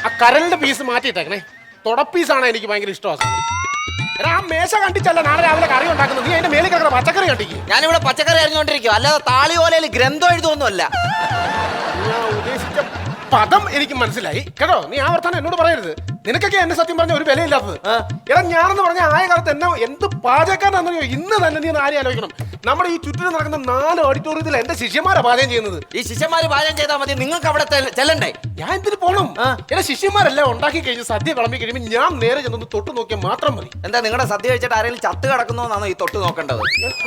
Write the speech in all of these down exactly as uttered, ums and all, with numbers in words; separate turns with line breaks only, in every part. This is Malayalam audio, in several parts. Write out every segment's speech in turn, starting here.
ആ കരലിന്റെ പീസ് മാറ്റിയിട്ടേക്കണേ. തുടപ്പീസാണ് എനിക്ക് ഭയങ്കര ഇഷ്ടമാണ്. എടാ ആ മേശ കണ്ടിച്ചല്ല നാളെ രാവിലെ കറി ഉണ്ടാക്കുന്നത്. നീ അതിന്റെ മേളിൽ കിടക്കുന്ന പച്ചക്കറി കണ്ടിക്ക്.
ഞാനിവിടെ പച്ചക്കറി അറിഞ്ഞുകൊണ്ടിരിക്കും, അല്ലാതെ താളിയോലയിൽ ഗ്രന്ഥം എഴുതുമൊന്നുമല്ല.
ഞാൻ ഉദ്ദേശിച്ച പദം എനിക്ക് മനസ്സിലായി കേട്ടോ. നീ ആ വർത്താനം എന്നോട് പറയരുത്. നിനക്കൊക്കെ എന്നെ സത്യം പറഞ്ഞ ഒരു വിലയില്ലാത്തത്. എടാ ഞാനെന്ന് പറഞ്ഞ ആയ കാലത്ത് എന്നെ എന്ത് പാചകക്കാരനാണെന്നറിയോ? ഇന്ന് തന്നെ നീ ആരെയും ആലോചിക്കണം. നമ്മുടെ ഈ ചുറ്റിനും നടക്കുന്ന നാല് ഓഡിറ്റോറിയത്തിൽ എന്റെ ശിഷ്യന്മാരാ പാചകം ചെയ്യുന്നത്.
ഈ ശിഷ്യന്മാര് പാചകം ചെയ്താൽ മതി, നിങ്ങൾക്ക് അവിടെ ചെല്ലണ്ടേ?
ഞാൻ എന്തിനു പോണം? എന്റെ ശിഷ്യന്മാരെല്ലാം ഉണ്ടാക്കി കഴിഞ്ഞ് സദ്യ വിളമ്പി കഴിയുമ്പോൾ ഞാൻ നേരെ ചെന്നൊന്ന് തൊട്ട് നോക്കിയാൽ മാത്രം മതി.
എന്താ നിങ്ങളുടെ സദ്യ കഴിച്ചിട്ട് ആരെങ്കിലും ചത്ത് കിടക്കുന്നോന്നാണോ ഈ തൊട്ട് നോക്കേണ്ടത്?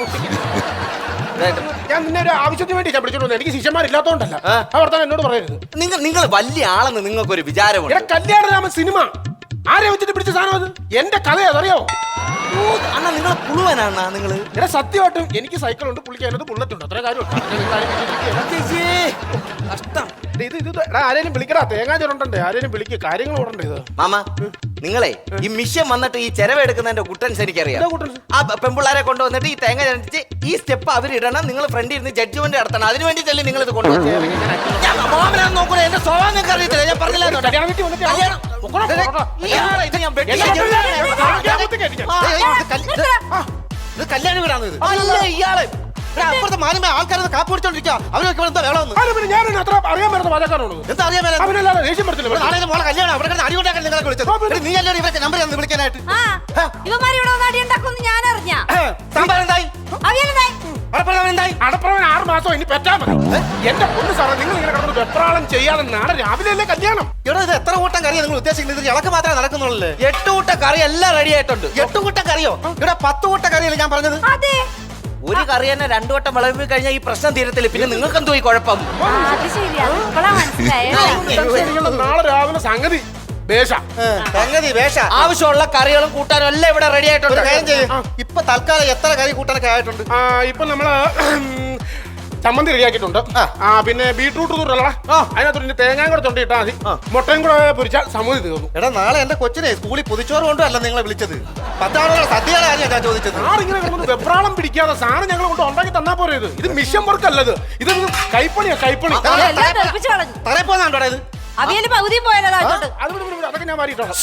ഞാൻ നിന്നെ ഒരു ആവശ്യത്തിന് വേണ്ടി ഞാൻ വിളിച്ചോണ്ട് എനിക്ക് ശിഷ്യന്മാരില്ലാത്തോണ്ടല്ല. ആ വർത്താനം എന്നോട് പറയരുത്.
നിങ്ങൾ നിങ്ങൾ വലിയ ആളെന്ന് നിങ്ങൾക്കൊരു വിചാരമുണ്ട്.
കല്യാണരാമൻ സിനിമ ആരെ വെച്ചിട്ട് പിടിച്ച സാധനം അത്? എന്റെ കഥ അതറിയോ?
അണ്ണാ നിങ്ങൾ പുളുവനാണ് നിങ്ങൾ.
എടാ സത്യമായിട്ടും എനിക്ക് സൈക്കിൾ ഉണ്ട്, പുള്ളിക്ക് അതിനകത്ത് ബുള്ളറ്റ് ഉണ്ട്. അത്ര കാര്യമുണ്ട്.
കഷ്ടം.
ഇത് ഇത് ആരെയും വിളിക്കടാ, തേങ്ങാ ചുരണ്ടേ, ആരെയും വിളിക്കുക, കാര്യങ്ങൾ ഓടണ്ടേ. ഇത്
മാമ നിങ്ങളെ ഈ മിഷ്യൻ വന്നിട്ട് ഈ ചെലവെടുക്കുന്നതിന്റെ കുട്ടൻസ് എനിക്കറിയാം. ആ പെമ്പിള്ളാരെ കൊണ്ടുവന്നിട്ട് ഈ തേങ്ങ ചരണ്ടിച്ച് ഈ സ്റ്റെപ്പ് അവരിടണം, നിങ്ങൾ ഫ്രണ്ടിൽ ഇരുന്ന് ജഡ്ജ്മെന്റ് നടത്തണം. അതിന് വേണ്ടിയിട്ടല്ലേ നിങ്ങൾ ഇത് കൊണ്ടുവന്നത്? മാമനാന്ന് നോക്കൂല, എന്റെ സ്വഭാവം നിങ്ങൾക്ക് അറിയത്തില്ല. ഞാൻ പറഞ്ഞില്ല
കല്യാണം വീടാണ് ഇത്.
ഇയാളെ
അപ്പുറത്തെ മാന്യമായ ആൾക്കാരെ കാപ്പ് പിടിച്ചോണ്ടിരിക്കുക. അവരൊക്കെ എന്താ വേണമെന്ന്
ഞാൻ അത്ര അറിയാൻ പറ്റുന്ന പാചകക്കാരാണ്.
എന്താ അറിയാൻ
അവനല്ലാതെ ദേഷ്യം പറ്റില്ല.
നാളെ മോളെ കല്യാണം അവിടെ അടികൊണ്ടാക്കാൻ നിങ്ങളെ വിളിച്ചത്. നീ അല്ലേ ഇവരൊക്കെ നമ്പർ തന്നു വിളിക്കാനായിട്ട്? സാമ്പാർ എന്തായി?
അടപ്രവൻ ആറ് മാസം ഇനി പറ്റാ മതി. എന്റെ പൊന്ന് സാറേ, നിങ്ങൾ ഇങ്ങനെ കിടന്ന് വെപ്രാളം ചെയ്യാതെ നാളെ രാവിലെ അല്ലേ കല്യാണം?
ഇവിടെ ഇത് എത്ര കൂട്ടം കറിയാ നിങ്ങൾ ഉദ്ദേശിക്കുന്നത്? ഇത് ഇളക്ക് മാത്രമേ നടക്കുന്നുള്ളൂ.
എട്ട് കൂട്ട കറി എല്ലാം റെഡി ആയിട്ടുണ്ട്.
എട്ട് കൂട്ടം കറിയോ? ഇവിടെ പത്ത് കൂട്ടം കറിയല്ലേ ഞാൻ പറഞ്ഞത്?
ഒരു കറി തന്നെ രണ്ടു വട്ടം വിളമ്പി കഴിഞ്ഞാൽ ഈ പ്രശ്നം തീരത്തില്ല. പിന്നെ നിങ്ങൾക്ക് എന്തോ ഈ കുഴപ്പം?
നാളെ രാവിലെ സംഗതി
സംഗതി വേഷ
ആവശ്യമുള്ള കറികളും കൂട്ടാനും എല്ലാം ഇവിടെ റെഡി ആയിട്ടുണ്ട്.
കാര്യം ചെയ്യും. ഇപ്പൊ തൽക്കാലം എത്ര കറി കൂട്ടാനൊക്കെ ആയിട്ടുണ്ട്?
ഇപ്പൊ നമ്മള് ചമ്മന്തി റെഡിയാക്കിയിട്ടുണ്ട്. ആ പിന്നെ ബീട്രൂട്ട് തൂറല്ലടാ, അതിനകത്ത് തേങ്ങാൻ കൂടെ തൊണ്ടിട്ടാ മതി. മുട്ടയും കൂടെ പൊരിച്ചാൽ സമൂഹം തീർന്നു.
എടാ നാളെ എന്റെ കൊച്ചിനെ സ്കൂളിൽ പൊതിച്ചോറ് കൊണ്ടുമല്ല നിങ്ങളെ വിളിച്ചത്. പത്താളുകളെ സദ്യകളെ കാര്യം ഞാൻ ചോദിച്ചത്.
ആറിങ്ങനെ കിടന്നത് വെപ്രാളം പിടിക്കാതെ സാധനം ഞങ്ങൾ കൊണ്ട് ഉണ്ടാക്കി തന്നാ പോരെ. ഇത് ഇത് മിഷൻ വർക്ക് അല്ലത്, ഇത് കൈപ്പണിയാ കൈപ്പണി.
തറ പോന്നാണ്ടോ ഇത്?
അതൊക്കെ ഞാൻ മാറിയിട്ടാണ്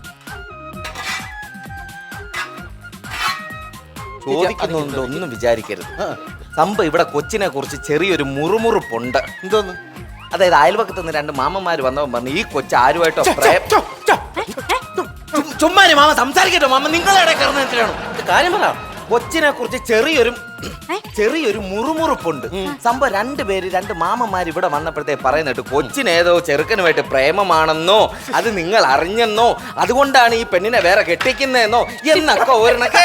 ചോദിക്കുന്നുണ്ട്, ഒന്നും വിചാരിക്കരുത്. സംഭവം ഇവിടെ കൊച്ചിനെ കുറിച്ച് ചെറിയൊരു മുറുമുറുപ്പുണ്ട്.
എന്തോന്ന്?
അതായത് അയൽപക്കത്ത് നിന്ന് രണ്ട് മാമന്മാര് വന്നവൻ പറഞ്ഞു ഈ കൊച്ചു ആരുമായിട്ടോ ചുമ്മാരി മാമ സംസാരിക്കട്ടോ. മാമ നിങ്ങളെ ഇടയിൽ കയറുന്ന എന്തിനാണ്? കാര്യം പറ. കൊച്ചിനെ കുറിച്ച് ചെറിയൊരു ചെറിയൊരു മുറുമുറുപ്പുണ്ട്. സംഭവം രണ്ടുപേര് രണ്ട് മാമന്മാര് ഇവിടെ വന്നപ്പോഴത്തേക്ക് പറയുന്നിട്ട് കൊച്ചിനേതോ ചെറുക്കനുമായിട്ട് പ്രേമമാണെന്നോ അത് നിങ്ങൾ അറിഞ്ഞെന്നോ അതുകൊണ്ടാണ് ഈ പെണ്ണിനെ വേറെ കെട്ടിക്കുന്നതെന്നോ എന്നൊക്കെ ഒരെണ്ണൊക്കെ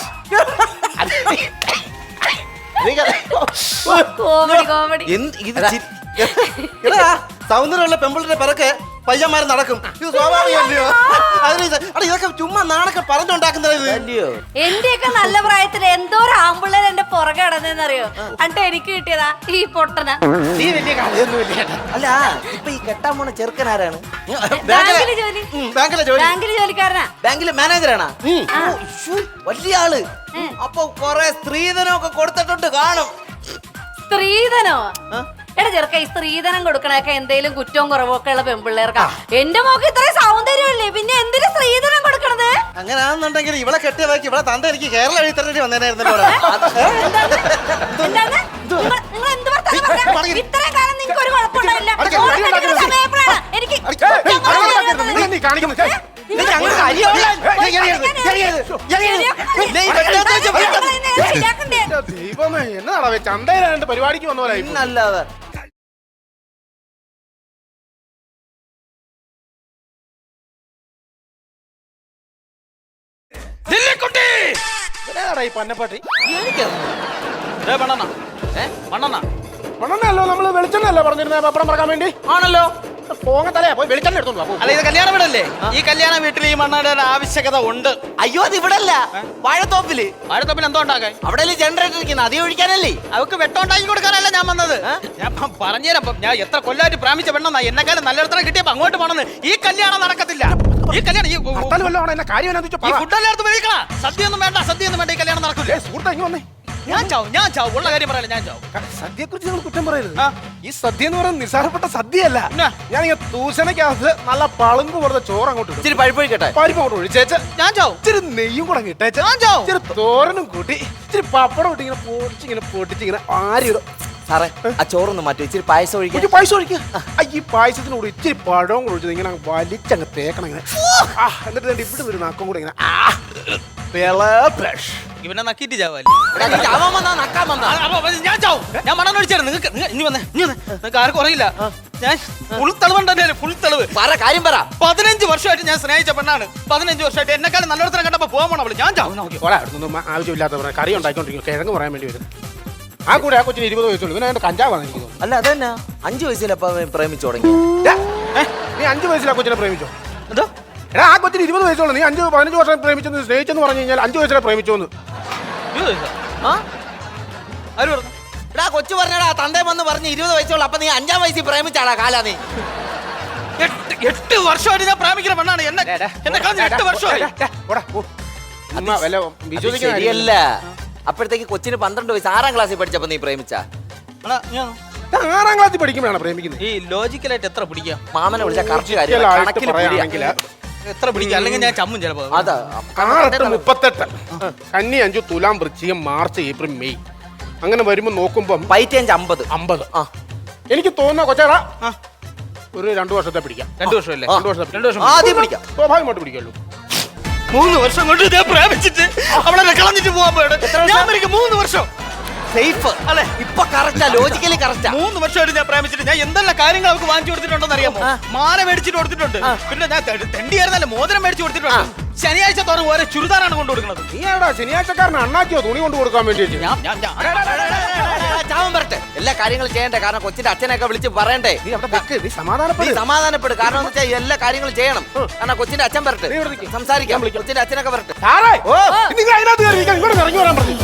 സൗന്ദര്യമുള്ള പെമ്പിളിന്റെ പിറക്കെ പയ്യന്മാര് നടക്കും. ഇത് സ്വാഭാവികമല്ലയോ? അതിന് ഇതൊക്കെ ചുമ്മാ നാണൊക്കെ പറഞ്ഞുണ്ടാക്കുന്നത്.
എന്റെയൊക്കെ നല്ല പ്രായത്തിൽ എന്തോരം ആമ്പിള്ളേർ എന്റെ പുറകെ നടന്നറിയോ? എന്നിട്ട് എനിക്ക് കിട്ടിയതാ ഈ പൊട്ടന.
നീ വലിയ കഥയൊന്നുമില്ല.
അല്ല ഇപ്പൊ ഈ കെട്ടാൻ പോണ ചെറുക്കനാരാണ്?
ബാങ്കില് ജോലി, ബാങ്കില് ജോലിക്കാരനാ.
ബാങ്കില് മാനേജറാണാ? വലിയ ആള്. അപ്പൊ കൊറേ സ്ത്രീധനമൊക്കെ കൊടുത്തിട്ടുണ്ട് കാണും.
സ്ത്രീധനോ? എടാ ചെറുക്ക, ഈ സ്ത്രീധനം കൊടുക്കണൊക്കെ എന്തെങ്കിലും കുറ്റവും കുറവൊക്കെ ഉള്ള പെൺപിള്ളേർക്കാ. എന്റെ മോക്ക് ഇത്രയും സൗന്ദര്യമല്ലേ, പിന്നെ എന്തിനു സ്ത്രീധനം കൊടുക്കണത്?
അങ്ങനെയാണെന്നുണ്ടെങ്കിൽ ഇവളെ കെട്ടിയ ബാക്കി ഇവിടെ തന്ത എനിക്ക് കേരള എഴുതി തരേണ്ടി വന്നേനായിരുന്നല്ലോ.
ഇത്രയും കാലം നിങ്ങൾക്ക് ഒരു കുഴപ്പമുണ്ടായില്ല. എനിക്ക്
ദൈവമേ, എന്നതാ ചന്തയിലാണ്ട് പരിപാടിക്ക് വന്ന പോലെ.
അല്ലാതെ
പന്നപ്പാട്ടി
മണ്ണെണ്ണ
നമ്മള് വെളിച്ചെണ്ണല്ലോ പറഞ്ഞിരുന്നേ പപ്പടം പറക്കാൻ വേണ്ടി.
ആണല്ലോ.
പോങ്ങ തലയാ പോയി വെളിച്ചെണ്ണ എടുത്തോണ്ട്.
അല്ല ഇത് കല്യാണ വീടല്ലേ? ഈ കല്യാണ വീട്ടിൽ ഈ മണ്ണയുടെ ആവശ്യകത ഉണ്ട്.
അയ്യോ അത് ഇവിടെ അല്ല, വാഴത്തോപ്പില്.
വാഴത്തോപ്പിൽ എന്തോ ഉണ്ടാക്കാൻ?
അവിടെ ജനറേറ്റർ ഇരിക്കുന്നത്, അതി ഒഴിക്കാനല്ലേ?
അവർക്ക് വെട്ടമുണ്ടാക്കി കൊടുക്കാനല്ല ഞാൻ വന്നത്. ഞാൻ പറഞ്ഞുതരാം. ഞാൻ എത്ര കൊല്ലായിട്ട് പ്രാമിച്ച പെണ്ണെന്നാ എന്നെക്കാളും നല്ലയിടത്തോളം കിട്ടിയപ്പോ അങ്ങോട്ട് പോണെന്ന്. ഈ കല്യാണം നടക്കത്തില്ല. ഈ കല്യാണം ഈ
കാര്യം
ഫുഡ് എല്ലായിടത്തും മേടിക്കണ. സദ്യ ഒന്നും വേണ്ട, സദ്യ ഒന്നും വേണ്ട, ഈ കല്യാണം നടക്കില്ല.
സുഹൃത്ത് ഇങ്ങ് വന്നേ,
ഞാൻ ചാവും ഞാൻ ചാവും ഉള്ള കാര്യം പറയല ഞാൻ ചാവും
സദ്യയെ കുറിച്ച് നിങ്ങൾ കുറ്റം പറയരുത്.
ആ.
ഈ സദ്യ എന്ന് പറയുന്നത് നിസ്സാരപ്പെട്ട സദ്യയല്ല.
പിന്നെ?
ഞാൻ ഇങ്ങനെ തൂശനക്കകത്ത് നല്ല പളുങ്ക് പോലത്തെ ചോറ് അങ്ങോട്ട് ഇടും.
ഇച്ചിരി പഴുപ്പൊഴിക്കട്ടെ.
പരിപ്പ് അങ്ങോട്ട് ഒഴിച്ചേച്ച്
ഞാൻ ചാവും
ഇച്ചിരി നെയ്യും കൂടെ അങ്ങ് ഇട്ടേച്ച്
ഞാൻ ചാവും.
ഇച്ചിരി തോരനും കൂട്ടി ഇച്ചിരി പപ്പടം ഇട്ട് ഇങ്ങനെ പൊടിച്ച് ഇങ്ങനെ പൊട്ടിച്ച് ഇങ്ങനെ ആരിടും.
സാറേ ആ ചോറൊന്ന് മാറ്റി ഇച്ചിരി പായസം ഒഴിക്കാൻ.
കുറച്ച് പായസം ഒഴിക്കുക. ആ, ഈ പായസത്തിന് കൂടി ഇച്ചിരി പഴവും കൂടി ഒഴിച്ചത് ഇങ്ങനെ അങ്ങ് വലിച്ചങ്ങ് തേക്കണം ഇങ്ങനെ. ആ, എന്നിട്ട് ദേ ഇവിടെ ഒരു നാക്കം കൂടെ ഇങ്ങനെ ആ, പിളപെഷ്.
ഇവനെ നക്കിയിട്ട് ചാവല്ലേ
എടാ, നീ ചാവാൻ വന്നാ നക്കാൻ വന്നാ?
അപ്പൊ ഞാൻ ചാവും ഞാൻ മണം ഒഴിച്ചായിരുന്നു നിങ്ങൾക്ക് ഇനി വന്നേ ഇനി വന്നേ നിങ്ങൾക്ക് ആർക്കും അറിയില്ല ഞാൻ ഫുൾ തെളിവുണ്ടല്ലേ ഫുൾ തെളിവ്
പറ കാര്യം പറ.
പതിനഞ്ച് വർഷമായിട്ട് ഞാൻ സ്നേഹിച്ച പെണ്ണാണ് പതിനഞ്ച് വർഷമായിട്ട് എന്നെക്കാളും നല്ലോടത്തിനെ കണ്ടപ്പോ പോകാൻ പോണ അവള് ഞാൻ ചാവും നോക്കി
ഓടാ അടുത്തൊന്നും ആവശ്യമില്ലാത്ത പറയാം കറി ഉണ്ടാക്കിക്കൊണ്ടിരിക്കും കിഴങ്ങ് പറയാൻ വേണ്ടി വരും. ആ കൂടെ ആ കൊച്ചിന് ഇരുപത് വയസ്സുള്ളൂ ഇവനെ അതിന്റെ കഞ്ചാവാണ് എനിക്ക് തോന്നുന്നു.
അല്ല അതന്നെ അഞ്ചു വയസ്സിലപ്പ പ്രേമിച്ചു തുടങ്ങി.
ഡാ, ഏ, നീ അഞ്ച് വയസ്സിൽ ആ കൊച്ചിനെ പ്രേമിച്ചോ?
എന്തോ
എടാ ആ കൊച്ചിന് ഇരുപത് വയസ്സുള്ളൂ നീ അഞ്ച് പതിനഞ്ച് വർഷം പ്രേമിച്ചെന്ന് സ്നേഹിച്ചെന്ന് പറഞ്ഞു കഴിഞ്ഞാൽ അഞ്ച് വയസ്സിലെ പ്രേമിച്ചോന്ന്.
ആ
ആര് പറഞ്ഞു
എടാ കൊച്ചു പറഞ്ഞടാ തന്തേ വന്ന് പറഞ്ഞ് ഇരുപത് വയസ്സുള്ള അപ്പൊ നീ അഞ്ചാം വയസ്സിൽ പ്രേമിച്ചാടാ കാലാ നീ.
എട്ട് എട്ട് വർഷമായിട്ട് ഞാൻ പ്രേമിക്കുന്ന പെണ്ണാണ് എന്നെ എന്നെ കളഞ്ഞ എട്ട് വർഷമായി
വിശ്വസിക്കാൻ
ശരിയല്ല. അപ്പോഴത്തേക്ക് കൊച്ചിന് പന്ത്രണ്ട് വയസ്സ് ആറാം ക്ലാസ്സിൽ പഠിച്ചപ്പോ നീ പ്രേമിച്ച.
അണ്ണാ, ഞാൻ
ആറാം ക്ലാസ്സിൽ പഠിക്കുമ്പോഴാണ് പ്രേമിക്കുന്നത്.
ഈ ലോജിക്കലായിട്ട് എത്ര പിടിക്കാം
മാമനെ വിളിച്ച കറക്റ്റ് കാര്യം
ഒരിക്കലായിട്ട്
കണക്കിൽ
പറയുകയാണെങ്കിൽ
എത്ര പിടിക്കാം അല്ലെങ്കിൽ ഞാൻ ചമ്മും ചിലപ്പോ
അതാ
ആറെട്ട് മുപ്പത്തെട്ട് കന്നി അഞ്ചു തുലാം വൃശ്ചികം മാർച്ച് ഏപ്രിൽ മെയ് അങ്ങനെ വരുമ്പോ നോക്കുമ്പം
പൈറ്റേഞ്ച് അമ്പത്.
അമ്പത്.
ആ
എനിക്ക് തോന്നുന്ന കൊച്ചേടാ ഒരു രണ്ടു വർഷത്തെ പിടിക്കാം.
രണ്ടു വർഷമല്ലേ
ആ.
രണ്ടു വർഷത്തെ
രണ്ടു വർഷം
ആദ്യം പിടിക്കാം.
സ്വാഭാവികമായിട്ട് പിടിക്കുള്ളൂ.
മൂന്ന് വർഷം കൊണ്ട് ഞാൻ പ്രേമിച്ചിട്ട് അവളെ കളഞ്ഞിട്ട് പോകാൻ പോയത് ഞാൻ എനിക്ക് മൂന്ന് വർഷം
സേഫ് അല്ലെ ഇപ്പൊ കറക്റ്റാ ലോജിക്കലി കറക്റ്റാ.
മൂന്ന് വർഷമായിട്ട് ഞാൻ പ്രേമിച്ചിട്ട് ഞാൻ എന്തെല്ലാം കാര്യങ്ങൾ അവർക്ക് വാങ്ങിച്ചു കൊടുത്തിട്ടുണ്ടെന്ന് അറിയാമോ? മാല മേടിച്ചിട്ട് കൊടുത്തിട്ടുണ്ട് പിന്നെ ഞാൻ തെണ്ടിയായിരുന്നല്ലേ മോതിരം മേടിച്ചു കൊടുത്തിട്ടുണ്ട്. ശനിയാഴ്ച തോറും ഓരോ ചുരിദാറാണ് കൊണ്ടു കൊടുക്കുന്നത്.
നീ ആടാ ശനിയാഴ്ചക്കാരന് അണ്ണാക്കിയോ തുണി കൊണ്ട് കൊടുക്കാൻ വേണ്ടി
ഞാൻ ഞാൻ ഞാൻ
ചാവൻ വരട്ടെ എല്ലാ കാര്യങ്ങളും ചെയ്യണ്ടേ കാരണം കൊച്ചിന്റെ അച്ഛനൊക്കെ വിളിച്ച് പറയണ്ടേ.
നീ അവിടെ വെക്ക് നീ
നീ
സമാധാനപ്പെടും.
സമാധാനപ്പെടും കാരണം എന്ന് വെച്ചാൽ എല്ലാ കാര്യങ്ങളും ചെയ്യണം കാരണം കൊച്ചിന്റെ അച്ഛൻ വരട്ടെ
നീ ഇവിടെ നിൽക്ക്.
സംസാരിക്കാം കൊച്ചിന്റെ അച്ഛനൊക്കെ വരട്ടെ.
സാറേ നിങ്ങൾ അതിനകത്ത് കയറി ഇരിക്കാൻ ഇങ്ങോട്ട് ഇറങ്ങി വരാൻ പറഞ്ഞു.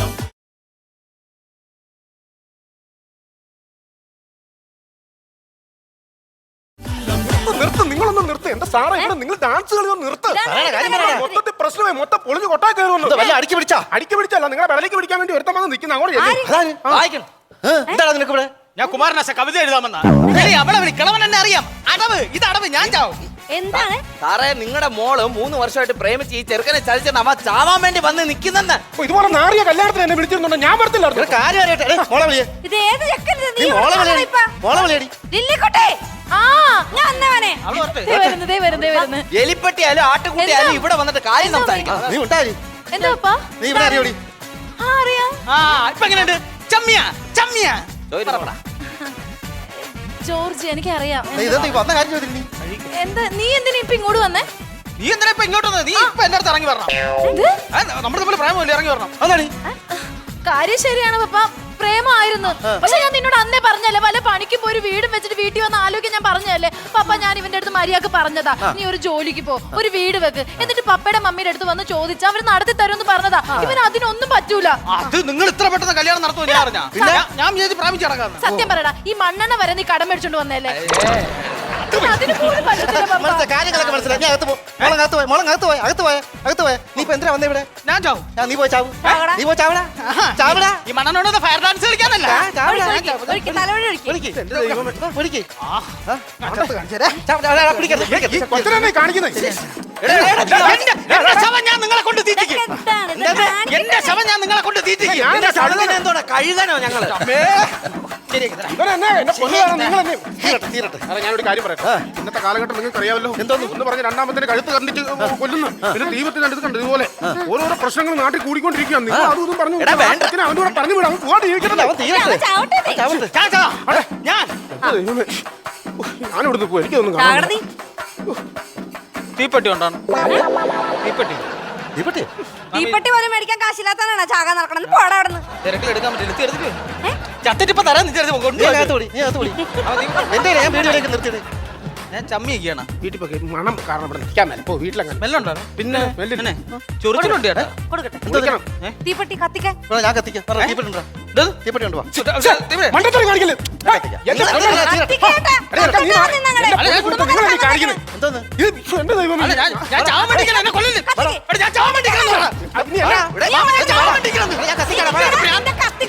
നിർത്ത് നിങ്ങളൊന്നും നിർത്ത് എന്റെ സാറേ ഇവിടെ നിങ്ങൾ ഡാൻസ് കളിയൊന്നും നിർത്ത്. മൊത്തത്തിൽ പ്രശ്നമായി മൊത്തം പൊളിഞ്ഞു കൊട്ടാ കയറുന്നു.
വല്ല അടിക്ക് പിടിച്ചാ
അടിക്ക് പിടിച്ചല്ല നിങ്ങളെ വിലക്ക് പിടിക്കാൻ വേണ്ടി ഒരുത്തം വന്ന് നിൽക്കുന്ന അങ്ങോട്ട് ചെല്ല്.
വായിക്കണം.
എന്താണ് നിനക്ക് ഇവിടെ
ഞാൻ കുമാരനാശ കവിത എഴുതാമെന്നാ അവളെ വിളി കിളവൻ എന്നെ അറിയാം അടവ് ഇത് അടവ് ഞാൻ ചാവും.
എന്താണ്
സാറേ നിങ്ങളുടെ മോള് മൂന്ന് വർഷമായിട്ട് പ്രേമിച്ച് ഈ ചെറുക്കനെ ചതിച്ച നമ്മ ചാവാൻ വേണ്ടി വന്ന് നിൽക്കുന്നെന്ന്.
ഓ, ഇതുപോലെ നാറിയ കല്യാണത്തിന് എന്നെ വിളിച്ചിരുന്നുണ്ടോ ഞാൻ വരത്തില്ലായിരുന്നു.
നിനക്ക് കാര്യം അറിയട്ടെ എടേ, മോളെ വിളിയേ
ഇത് ഏത് ചെക്കൻ്റെ
നീ
നീ
മോളെ
ഇവിടെ
വിളിയടി
ഇപ്പ?
മോളെ വിളിയടി
ലില്ലിക്കുട്ടി ആ ഞാൻ അന്നവനെ
അവള് വരട്ടെ.
ദേ വരുന്നു ദേ വരുന്നു ദേ വരുന്നു
എലിപ്പെട്ടിയാലും ആട്ടുകുട്ടിയാലും
എന്താ?
ഇവിടെ വന്നിട്ട് കാര്യം സംസാരിക്കണം.
നീ ഉണ്ടായി
എന്താ അപ്പാ?
നീ ഇവിടെ അറിയോടി
ആ അറിയാം
ആ ഇപ്പൊ എങ്ങനെയുണ്ട് ചമ്മിയ ചമ്മിയ
ചോദിക്കണം.
ജോർജ് എനിക്കറിയാം
നീ ഇതെന്താ ഈ വന്ന കാര്യം ചോദിച്ചു നീ
എന്താ നീ എന്തിനാ ഇപ്പൊ ഇങ്ങോട്ട് വന്നേ
നീ എന്തിനാ ഇപ്പൊ ഇങ്ങോട്ട് വന്നത്? നീ ഇപ്പൊ എന്റെ അടുത്ത് ഇറങ്ങി വരണം
എന്ത്
നമ്മുടെ തമ്മിൽ പ്രേമല്ലേ ഇറങ്ങി വരണം
അതാണ്
കാര്യം ശരിയാണ് പപ്പ പ്രേമായിരുന്നു പക്ഷെ ഞാൻ നിന്നോട് അന്നേ പറഞ്ഞല്ലേ വല്ല പണിക്ക് പോയി ഒരു വീടും വെച്ചിട്ട് വീട്ടിൽ വന്ന് ആലോചിക്കാൻ ഞാൻ പറഞ്ഞല്ലേ പപ്പ ഞാൻ ഇവന്റെ അടുത്ത് മര്യാദക്ക് പറഞ്ഞതാ നീ ഒരു ജോലിക്ക് പോ ഒരു വീട് വെക്ക് എന്നിട്ട് പപ്പയുടെ മമ്മിയുടെ അടുത്ത് വന്ന് ചോദിച്ചാ അവര് നടത്തി തരുമെന്ന് പറഞ്ഞതാ ഇവന് അതിനൊന്നും പറ്റൂല
അത് നിങ്ങൾ ഇത്ര പെട്ടെന്ന് കല്യാണം നടത്തുമോ ഞാൻ അറിഞ്ഞാ ഞാൻ- ഞാൻ വിചാരിച്ച് പ്രാപിച്ചു നടക്കാന്ന്
സത്യം പറയടാ ഈ മണ്ണെണ്ണ വരെ നീ കടം മേടിച്ചോണ്ട് വന്നല്ലേ അതിന് പോലും പറ്റത്തില്ല പപ്പ.
മനസ്സിലായി കാര്യങ്ങളൊക്കെ മനസ്സിലായി ഞാൻ അകത്ത് പോ മോളെ അകത്ത് പോയ മോളെ അകത്ത് പോയ അകത്ത് പോയ അകത്ത് പോയ നീ ഇപ്പൊ എന്തിനാ വന്നേ ഇവിടെ
ഞാൻ ചാവും
ഞാൻ നീ പോയി ചാവും
ചാവടാ.
നീ പോയി ചാവടാ ചാവടാ
ഈ മണ്ണനോട് ഫയർ ഡാൻസ് കളിക്കാനല്ല
ആ, ചാവടാ
ഒഴിക്ക്, ഒഴിക്ക്, തലവഴി ഒഴിക്ക്.
വിളിക്ക് എന്റെ ദൈവമേ വിളിക്ക്
കൊച്ചിനെ കാണിക്കുന്നത്
എന്റെ ശവം ഞാൻ നിങ്ങളെ കൊണ്ട് തീറ്റിക്കും
എന്താണ് ഇത്? ഞാൻ
എന്റെ ശവം ഞാൻ നിങ്ങളെ കൊണ്ട് തീറ്റിക്കും
ഞാൻ
നിന്റെ ചടുവിനെ എന്തോടാ കഴുകാനോ ഞങ്ങള്
ഇവരെന്നെ എന്നെ കൊല്ലുകയാണ് നിങ്ങൾ എന്നെ തീരട്ടെ തീരട്ടെ അതെ ഞാനൊരു കാര്യം പറയട്ടെ ഇന്നത്തെ കാലഘട്ടം നിങ്ങൾക്ക് അറിയാമല്ലോ എന്തോന്ന് ഒന്ന് പറഞ്ഞ് രണ്ടാമത്തെ കഴുത്ത് കണ്ടിട്ട് കൊല്ലുന്നു പിന്നെ ദൈവത്തിന് അടുത്ത് കണ്ടു ഇതുപോലെ ഓരോരോ പ്രശ്നങ്ങൾ നാട്ടിൽ കൂടിക്കൊണ്ടിരിക്കുകയാണ് നിങ്ങൾ അതും ഇതും പറഞ്ഞു
എടാ, വേണ്ട.
അച്ഛനെ അവൻ്റെ കൂടെ പറഞ്ഞു വിടാം അവൻ പോകാതെ ജീവിക്കട്ടെ
അവൻ തീരട്ടെ
അവൻ ചാവട്ടെ നീ.
ചാവട്ടെ
ഞാൻ ചാവാം. ഞാൻ
ദൈവമേ ഞാനിവിടുന്ന് പോയി എനിക്കൊന്നും
ചാവടാ
കാണാൻ
നീ.
തീപ്പെട്ടി കൊണ്ടാണ് തീപ്പെട്ടി
തീപ്പെട്ടി
തീപ്പെട്ടി പോലും മേടിക്കാൻ കാശില്ലാത്തവനാണ് ചാകാൻ നടക്കണമെന്ന് പോടാ അവിടെ നിന്ന്
തിരക്കിൽ എടുക്കാൻ പറ്റില്ല ഇത് എടുത്തിട്ട് ചത്തിട്ട് ഇപ്പൊ തരാൻ നിന്റെ അടുത്ത്
നീ
കൊണ്ടുപോയി
അകത്ത് വിളി നീ അകത്ത് വിളി എന്റെ ഞാൻ വീഡിയോയിലേക്ക് നിർത്തിയത്
ഞാൻ ചമ്മിയൊക്കെയാണ്
വീട്ടിൽ പോയി മണം കാരണം ഇവിടെ നിൽക്കാൻ മേലെ പോ വീട്ടിലങ്ങനെ
മെല്ലുണ്ടോ
പിന്നെ മെല്ലില്ല.
ചൊറിച്ചിട്ടുണ്ട് ചേട്ടാ
കൊടുക്കട്ടെ
വിളിക്കണം.
തീപ്പെട്ടി കത്തിക്കാൻ
ഇവിടെ ഞാൻ കത്തിക്കാം പറ, തീപ്പെട്ടി ഉണ്ടോ തീപ്പെട്ടി കൊണ്ട് വാ
മണ്ടത്തരം കാണിക്കല്ലേ എന്റെ പൊന്നേ.
കത്തിക്കേട്ടാ.
എടാ, എടാ, നീ
കത്തിക്കാൻ നിന്നങ്ങടെ.
അല്ല, ഞാൻ
കൊടുത്ത നിങ്ങൾ എന്നെ കാണിക്കുന്നത്
എന്തോന്ന്
ഇത് എന്റെ ദൈവമേ
ഞാൻ ചാവാൻ വേണ്ടിക്കണം എന്നെ കൊല്ലല്ലേ
കത്തിക്ക്.
എടാ, ഞാൻ ചാവാൻ വേണ്ടിക്കണം
അത് നീ അല്ല.
ഇവിടെ
ഞാൻ ചാവാൻ വേണ്ടിക്കണം
ഞാൻ കത്തിക്കാം
എന്റെ കത്തി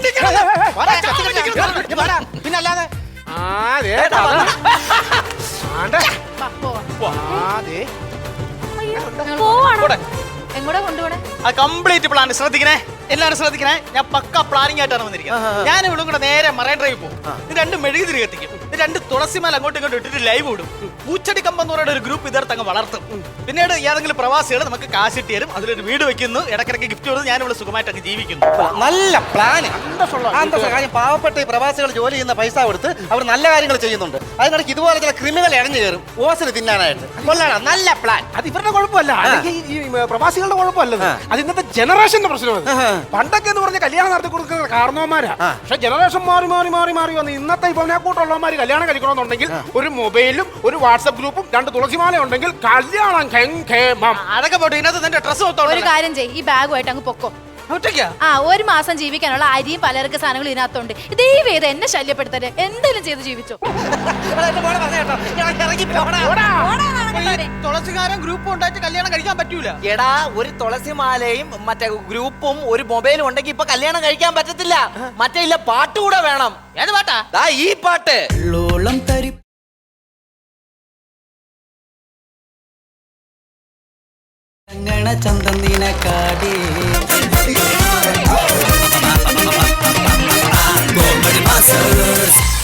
വെട്ടിക്കളഞ്ഞ്.
വാടാ,
ചാ വെട്ടിക്കളഞ്ഞ്.
നീ വാടാ. പിന്നല്ലാതെ
ആ ദേ പദം. ആണ്ടെ.
വാ, പോവാം.
ആ ദേ.
അയ്യോ, പോവാണോ
പോടെ.
എങ്ങോട്ടാ കൊണ്ടുപോണേ
ആ കംപ്ലീറ്റ് പ്ലാൻ ശ്രദ്ധിക്കണേ എല്ലാവരും ശ്രദ്ധിക്കണേ ഞാൻ പക്ക പ്ലാനിങ് ആയിട്ടാണ് വന്നിരിക്കുന്നത് ഞാൻ ഇവിടെ കൂടെ നേരെ മറൈൻ ഡ്രൈവ് പോകും ഇത് രണ്ട് മെഴുകുതിരി കത്തിക്കും ഇത് രണ്ട് തുളസിമാല അങ്ങോട്ടും ഇങ്ങോട്ടും ഇട്ടിട്ട് ലൈവ് ഇടും പൂച്ചടി കമ്പം എന്ന് പറയുന്ന ഒരു ഗ്രൂപ്പ് ഇതേർത്ത് അങ്ങ് വളർത്തും പിന്നീട് ഏതെങ്കിലും പ്രവാസികൾ നമുക്ക് കാശ് ഇട്ട് തരും അതിലൊരു വീട് വെക്കുന്നു ഇടക്കിടക്ക് ഗിഫ്റ്റ് കൊടുത്ത് ഞാൻ ഇവിടെ സുഖമായിട്ട് അങ്ങ് ജീവിക്കുന്നു
നല്ല പ്ലാന്
അന്തസ്സുള്ള
കാര്യം പാവപ്പെട്ട ഈ പ്രവാസികൾ ജോലി ചെയ്യുന്ന പൈസ കൊടുത്ത് അവർ നല്ല കാര്യങ്ങൾ ചെയ്യുന്നുണ്ട് അതിനിടയ്ക്ക് ഇതുപോലെ ചില ക്രിമികൾ ഇഴഞ്ഞു കയറും ഓസിന് തിന്നാനായിട്ട് കൊള്ളാണ് നല്ല പ്ലാൻ
അത് ഇവരുടെ കുഴപ്പമല്ല അല്ലെങ്കിൽ ഈ ഈ പ്രവാസികളുടെ കുഴപ്പമല്ലത് അത് ഇന്നത്തെ ജനറേഷന്റെ പ്രശ്നമാണ് പണ്ടൊക്കെ എന്ന് പറഞ്ഞ കല്യാണം നടത്തി കൊടുക്കുന്ന കാരണവന്മാരാ പക്ഷെ ജനറേഷൻ മാറി മാറി മാറി മാറി വന്ന് ഇന്നത്തെ ഇപ്പൊ കൂട്ടുള്ളവന്മാര് കല്യാണം കഴിക്കണമെന്നുണ്ടെങ്കിൽ ഒരു മൊബൈലും ഒരു വാട്സപ്പ് ഗ്രൂപ്പും രണ്ട് തുളസിമാല ഉണ്ടെങ്കിൽ കല്യാണം ഖേമം.
അതൊക്കെ പോട്ടെ ഇതിനകത്ത് നിന്റെ ഡ്രസ്സ്
ഒരു
മൊത്തം
കാര്യം ചെയ്യ് ഈ ബാഗുമായിട്ട് അങ്ങ് പൊക്കോ
ഒറ്റയ്ക്കാ
ആ ഒരു മാസം ജീവിക്കാനുള്ള അരിയും പലചരക്ക് സാധനങ്ങളും ഇതിനകത്തുണ്ട് ദൈവം ഇത് എന്നെ ശല്യപ്പെടുത്തരുത് എന്തെങ്കിലും ചെയ്ത് ജീവിച്ചോ
തുളസികാരൻ ഗ്രൂപ്പ് ഉണ്ടായിട്ട് കല്യാണം കഴിക്കാൻ പറ്റൂല
എടാ ഒരു തുളസിമാലയും മറ്റേ ഗ്രൂപ്പും ഒരു മൊബൈലും ഉണ്ടെങ്കിൽ ഇപ്പൊ കല്യാണം കഴിക്കാൻ പറ്റത്തില്ല മറ്റേ ഇല്ല പാട്ട് കൂടെ വേണം
ഏത് പാട്ടാ
ദാ ഈ പാട്ട്
ലോളം തരി ണ ചന്തം നിനക്കാടേ ഗോൾഡ് മാസ്റ്റേഴ്സ്